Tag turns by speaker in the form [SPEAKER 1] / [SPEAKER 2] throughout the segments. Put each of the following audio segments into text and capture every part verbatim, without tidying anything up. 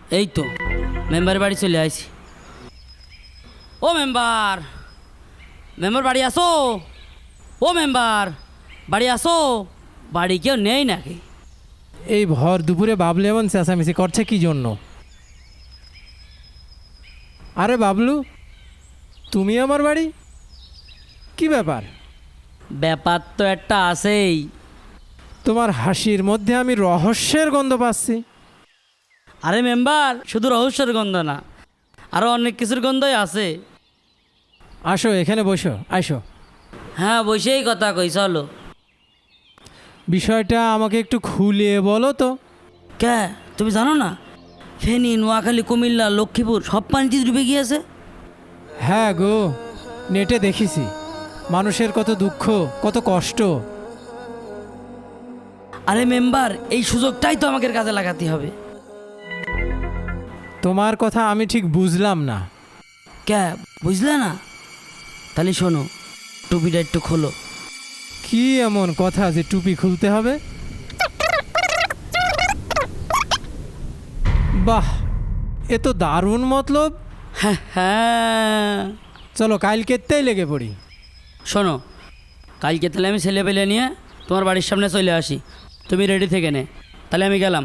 [SPEAKER 1] এই তো মেম্বারের বাড়ি চলে আইছি। ও মেম্বার, মেম্বার বাড়ি আসো। ও মেম্বার বাড়ি আসো। বাড়ি কেউ নেই নাকি?
[SPEAKER 2] এই ভর দুপুরে বাবলু এমন চেঁচামেচি করছে কি জন্য? আরে বাবলু, তুমি আমার বাড়ি, কি ব্যাপার?
[SPEAKER 1] ব্যাপার তো একটা আছেই।
[SPEAKER 2] তোমার হাসির মধ্যে আমি রহস্যের গন্ধ পাচ্ছি।
[SPEAKER 1] আরে মেম্বার, শুধু রহস্যের গন্ধ না, আরও অনেক কিছুর গন্ধই আছে।
[SPEAKER 2] আসো এখানে বসো, আসো।
[SPEAKER 1] হ্যাঁ, বসেই কথা কই, চলো।
[SPEAKER 2] বিষয়টা আমাকে একটু খুলে বলো তো।
[SPEAKER 1] কে, তুমি জানো না ফেনী, নোয়াখালী, কুমিল্লা, লক্ষ্মীপুর সব পানিতে ডুবে গিয়েছে?
[SPEAKER 2] হ্যাঁ গো, নেটে দেখেছি মানুষের কত দুঃখ, কত কষ্ট।
[SPEAKER 1] আরে মেম্বার, এই সুযোগটাই তো আমাকে কাজে লাগাতে হবে।
[SPEAKER 2] তোমার কথা আমি ঠিক বুঝলাম না।
[SPEAKER 1] কে, বুঝলে না? তাহলে শোনো, টুপিটা একটু খোলো।
[SPEAKER 2] কি এমন কথা যে টুপি খুলতে হবে? বাহ, এ তো দারুণ মতলব।
[SPEAKER 1] হ্যাঁ হ্যাঁ,
[SPEAKER 2] চলো কালকেতেই লেগে পড়ি।
[SPEAKER 1] শোনো, কালকে তাহলে আমি ছেলে পেলে নিয়ে তোমার বাড়ির সামনে চলে আসি, তুমি রেডি থেকে নে। তাহলে আমি গেলাম।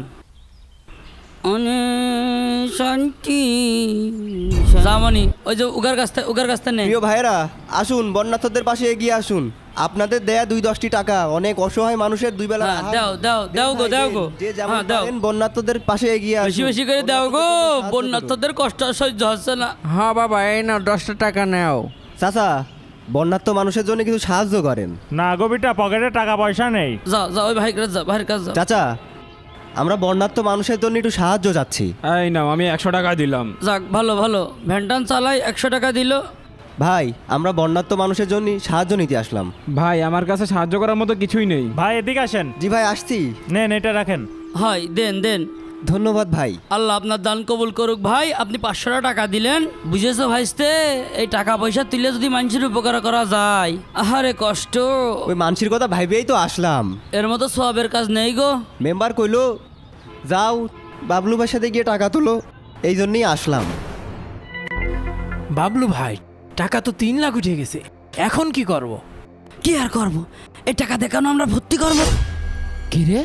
[SPEAKER 1] অনেক শান্তি জামনি, ওই যে উগার গাছটা, উগার গাছটা নেই।
[SPEAKER 3] প্রিয় ভাইরা, আসুন বন্যার্থদের পাশে এগিয়ে আসুন। আপনাদের দেয়া দুই দশটি টাকা অনেক অসহায় মানুষের দুই বেলা
[SPEAKER 1] হ্যাঁ, দাও দাও দাও গো, দাও গো।
[SPEAKER 3] যে যেমন
[SPEAKER 1] হ্যাঁ, দাও,
[SPEAKER 3] পারেন বন্যার্থদের পাশে এগিয়ে
[SPEAKER 1] বেশি
[SPEAKER 3] আসুন।
[SPEAKER 1] বেশি করে দাও গো,
[SPEAKER 3] বন্যার্থদের সাহায্য করুন।
[SPEAKER 1] বন্যার্থদের কষ্ট আর সহ্য হচ্ছে না।
[SPEAKER 4] হ্যাঁ বাবা, এই নাও দশটা টাকা নাও।
[SPEAKER 3] চাচা, বন্যার্থ মানুষের জন্য কিছু সাহায্য করেন।
[SPEAKER 5] না গো বিটা, পকেটে টাকা পয়সা নেই।
[SPEAKER 1] যাও যাও, ওই ভাই কাছে যাও, ভাইয়ের কাছে যাও।
[SPEAKER 3] চাচা, আমরা বন্যার্থ মানুষের জন্য একটু সাহায্য চাচ্ছি।
[SPEAKER 4] এই নাও, আমি একশো টাকা দিলাম।
[SPEAKER 1] যাক, ভালো ভালো, ভ্যানটান চালাই, একশো টাকা দিল।
[SPEAKER 3] ভাই, আমরা বন্যার্থ মানুষের জন্য সাহায্য নিতে আসলাম।
[SPEAKER 4] ভাই, আমার কাছে সাহায্য করার মতো কিছুই নেই।
[SPEAKER 5] ভাই এদিকে আসেন,
[SPEAKER 3] জি ভাই, আসছি।
[SPEAKER 5] নেন এটা রাখেন।
[SPEAKER 1] হয়, দেন দেন।
[SPEAKER 3] ধন্যবাদ ভাই।
[SPEAKER 1] আল্লাহ আপনার দান কবুল করুক। ভাই, আপনি পাঁচশো টাকা দিলেন, বুঝেছো ভাইস্তে? এই টাকা পয়সা তুলে যদি মানুষের উপকার করা যায়, আহারে কষ্ট।
[SPEAKER 3] ওই মানসির কথা ভাইবেই তো আসলাম।
[SPEAKER 1] এর মতো সবের কাজ নেই গো।
[SPEAKER 3] মেম্বার কইলো যাও বাবলু ভাইয়ের সাথে গিয়ে টাকা তুলো, এই জন্যই আসলাম।
[SPEAKER 2] বাবলু ভাই, টাকা তো তিন লাখ উঠে গেছে, এখন কি করব?
[SPEAKER 1] কি আর করবো, এই টাকা দেখানো আমরা ভর্তি করবো।
[SPEAKER 2] কি রে,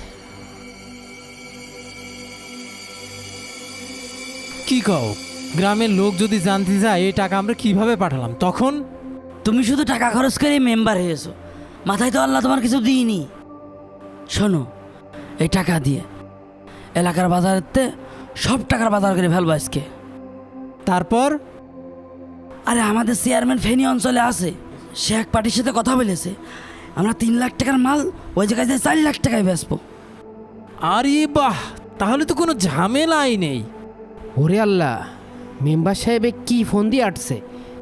[SPEAKER 2] কি কও? গ্রামের লোক যদি জানতে যায় এই টাকা আমরা কিভাবে পাঠালাম, তখন?
[SPEAKER 1] তুমি শুধু টাকা খরচ করে মেম্বার হয়েছো, মাথায় তো আল্লাহ তোমার কিছু দিইনি। শোনো, এই টাকা দিয়ে এলাকার বাজারেতে সব টাকার বাজার করে ফেলবো আজকে।
[SPEAKER 2] তারপর?
[SPEAKER 1] আরে আমাদের চেয়ারম্যান ফেনী অঞ্চলে আছে, সে এক পার্টির সাথে কথা বলেছে, আমরা তিন লাখ টাকার মাল ওই জায়গায় যায় চার লাখ টাকায় বেচবো।
[SPEAKER 2] আরে বাহ, তাহলে তো কোনো ঝামেলাই নেই।
[SPEAKER 6] ওরে আল্লাহ, মেম্বার সাহেবে কি ফোন দিয়ে আটছে?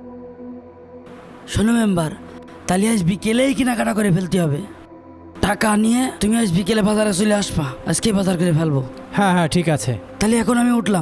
[SPEAKER 1] শোনো মেম্বার, তাহলে আজ বিকেলেই কেনাকাটা করে ফেলতে হবে। টাকা নিয়ে তুমি আজ বিকেলে বাজারে চলে আসবা, আজকে বাজার করে ফেলবো।
[SPEAKER 2] হ্যাঁ হ্যাঁ, ঠিক আছে।
[SPEAKER 1] তাহলে এখন আমি উঠলাম,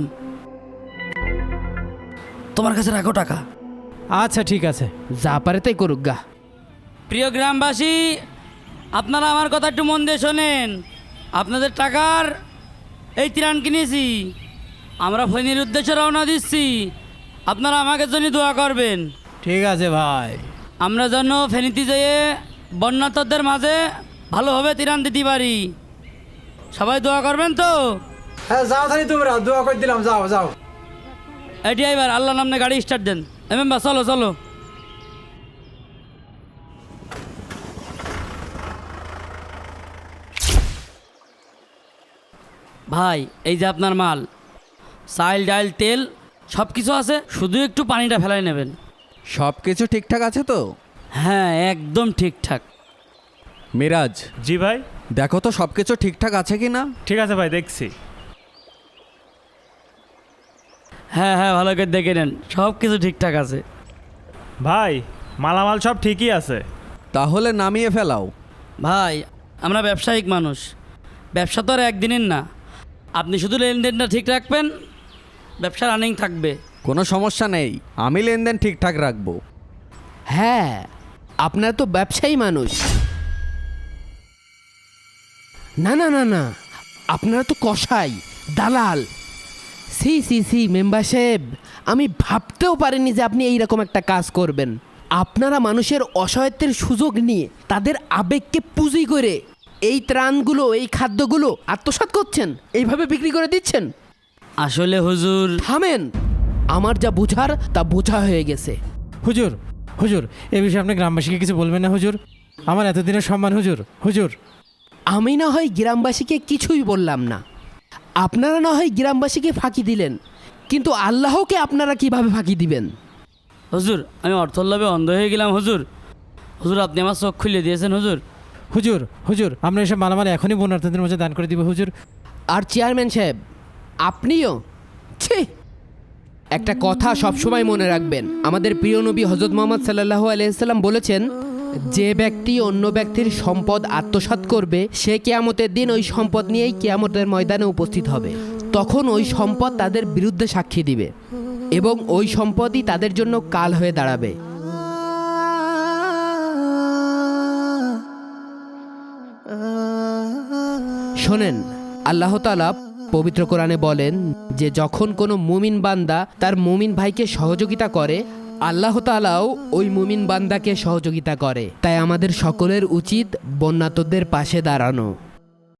[SPEAKER 1] তোমার কাছে রাখো টাকা।
[SPEAKER 2] আচ্ছা ঠিক আছে।
[SPEAKER 6] যা পারে তাই করুক গা।
[SPEAKER 1] প্রিয় গ্রামবাসী, আপনারা আমার কথা একটু মন দিয়ে শোনেন। আপনাদের টাকার এই ত্রাণ কিনেছি, আমরা ফেনীর উদ্দেশ্যে রওনা দিচ্ছি। আপনারা আমাকে জন্য দোয়া করবেন।
[SPEAKER 2] ঠিক আছে ভাই।
[SPEAKER 1] আমরা যেন ফেনীতে যেয়ে বন্যার্থদের মাঝে ভালোভাবে ত্রাণ দিতে পারি। সবাই দোয়া করবেন তো?
[SPEAKER 2] হ্যাঁ যাও, তাহলে তোমরা দোয়া করে দিলাম, যাও যাও।
[SPEAKER 1] এটি এবার আল্লাহ নামে গাড়ি স্টার্ট দেন। এমেম্বা চলো চলো। ভাই, এই যে আপনার মাল, চাল ডাল তেল সব কিছু আছে, শুধু একটু পানিটা ফেলাই নেবেন।
[SPEAKER 4] সব কিছু ঠিকঠাক আছে তো?
[SPEAKER 1] হ্যাঁ, একদম ঠিকঠাক।
[SPEAKER 4] মিরাজ,
[SPEAKER 5] জি ভাই।
[SPEAKER 4] দেখো তো সব কিছু ঠিকঠাক আছে কি না।
[SPEAKER 5] ঠিক আছে ভাই, দেখছি।
[SPEAKER 1] হ্যাঁ হ্যাঁ, ভালো করে দেখে নেন, সব কিছু ঠিকঠাক আছে।
[SPEAKER 5] ভাই, মালামাল সব ঠিকই আছে।
[SPEAKER 4] তাহলে নামিয়ে ফেলাও।
[SPEAKER 1] ভাই, আমরা ব্যবসায়িক মানুষ, ব্যবসা তো আর একদিনের না। আপনি শুধু লেনদেনটা ঠিক রাখবেন, ব্যবসা রানিং থাকবে।
[SPEAKER 4] কোনো সমস্যা নেই, আমি লেনদেন ঠিকঠাক রাখবো।
[SPEAKER 6] হ্যাঁ, আপনারা তো ব্যবসায়ী মানুষ। না না না না, আপনারা তো কসাই, দালাল। সি সি সি মেম্বার সাহেব, আমি ভাবতেও পারিনি যে আপনি এইরকম একটা কাজ করবেন। আপনারা মানুষের অসহায়ত্বের সুযোগ নিয়ে তাদের আবেগকে পুঁজি করে এই ত্রাণগুলো, এই খাদ্যগুলো আত্মসাৎ করছেন, এইভাবে বিক্রি করে দিচ্ছেন।
[SPEAKER 1] আসলে হুজুর,
[SPEAKER 6] থামেন, আমার যা বোঝার তা বোঝা হয়ে গেছে।
[SPEAKER 2] হুজুর হুজুর এ বিষয়ে আপনি গ্রামবাসীকে কিছু বলবেন না হুজুর? আমার এতদিনের সম্মান হুজুর। হুজুর
[SPEAKER 6] আমি না হয় গ্রামবাসীকে কিছুই বললাম না, আপনারা না হয় গ্রামবাসীকে ফাঁকি দিলেন, কিন্তু আল্লাহকে আপনারা কিভাবে ফাঁকি দিবেন?
[SPEAKER 1] হুজুর আমি অর্থল্লাভে অন্ধ হয়ে গেলাম হুজুর। হুজুর আপনি আমার চোখ খুলে দিয়েছেন হুজুর।
[SPEAKER 2] হুজুর হুজুর আমরা এসব মালামাল এখনই বন্যার্থীদের মধ্যে দান করে দিব হুজুর।
[SPEAKER 6] আর চেয়ারম্যান সাহেব, আপনিও ছি। একটা কথা সবসময় মনে রাখবেন, আমাদের প্রিয় নবী হজরত মোহাম্মদ সাল্লাল্লাহু আলাইহি সাল্লাম বলেছেন, যে ব্যক্তি অন্য ব্যক্তির সম্পদ আত্মসাৎ করবে সে কিয়ামতের দিন ওই সম্পদ নিয়েই কিয়ামতের ময়দানে উপস্থিত হবে। তখন ওই সম্পদ তাদের বিরুদ্ধে সাক্ষী দিবে এবং ওই সম্পদই তাদের জন্য কাল হয়ে দাঁড়াবে। শোনেন, আল্লাহ তাআলা পবিত্র কোরআনে বলেন যে যখন কোনো মুমিন বান্দা তার মুমিন ভাইকে সহযোগিতা করে, আল্লাহ তাআলাও ওই মুমিন বান্দাকে সহযোগিতা করে। তাই আমাদের সকলের উচিত বন্যাতদের পাশে দাঁড়ানো।